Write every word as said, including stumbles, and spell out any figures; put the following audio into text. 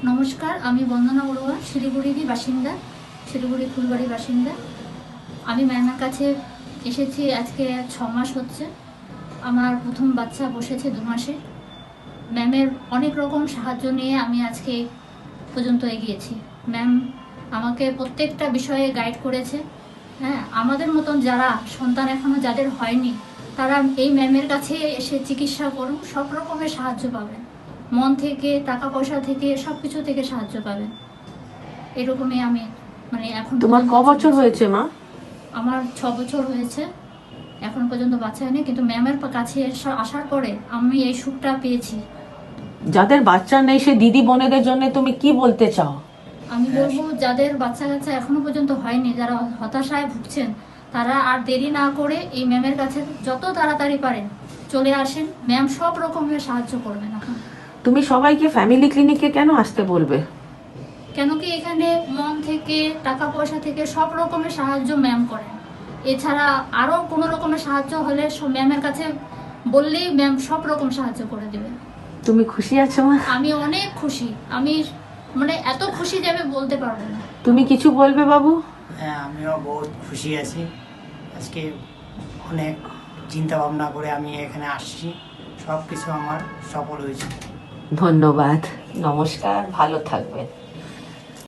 নমস্কার, আমি বন্দনা বড়ুয়া, শিলিগুড়িরই বাসিন্দা, শিলিগুড়ি ফুলবাড়ির বাসিন্দা। আমি ম্যামের কাছে এসেছি আজকে ছ মাস হচ্ছে। আমার প্রথম বাচ্চা বসেছে দু মাসে। ম্যামের অনেক রকম সাহায্য নিয়ে আমি আজকে পর্যন্ত এগিয়েছি। ম্যাম আমাকে প্রত্যেকটা বিষয়ে গাইড করেছে। হ্যাঁ, আমাদের মতন যারা সন্তান এখনও যাদের হয়নি, তারা এই ম্যামের কাছে এসে চিকিৎসা করুন, সব রকমের সাহায্য পাবেন। মন থেকে, টাকা পয়সা থেকে, সব কিছু থেকে সাহায্য পাবেন। এরকমই আমি মানে এখন তোমার ক বছর হয়েছে মা? আমার ছ বছর হয়েছে, এখন পর্যন্ত বাচ্চা হয়নি, কিন্তু ম্যামের কাছে এসা- আসার পরে আমি এই সুখটা পেয়েছি। যাদের বাচ্চা নেই সে দিদি বোনেদের জন্য তুমি কি বলতে চাও? আমি বলবো যাদের বাচ্চা কাচ্চা এখনো পর্যন্ত হয়নি, যারা হতাশায় ভুগছেন, তারা আর দেরি না করে এই ম্যামের কাছে যত তাড়াতাড়ি পারেন চলে আসেন। ম্যাম সব রকমের সাহায্য করবেন এখন। তুমি সবাইকে ফ্যামিলি ক্লিনিকে কেন আসতে বলবে? কেন কি এখানে মন থেকে, টাকা পয়সা থেকে সব রকমের সাহায্য ম্যাম করেন। এছাড়া আরও কোনো রকমের সাহায্য হলে ম্যামের কাছে বললেই ম্যাম সব রকম সাহায্য করে দেবে। তুমি খুশি আছো মা? আমি অনেক খুশি, আমি মানে এত খুশি যে আমি বলতে পারবো না। তুমি কিছু বলবে বাবু? হ্যাঁ, আমিও বহুত খুশি আছি। আজকে অনেক চিন্তা ভাবনা করে আমি এখানে আসছি, সব কিছু আমার সফল হয়েছে। ধন্যবাদ, নমস্কার, ভালো থাকবেন।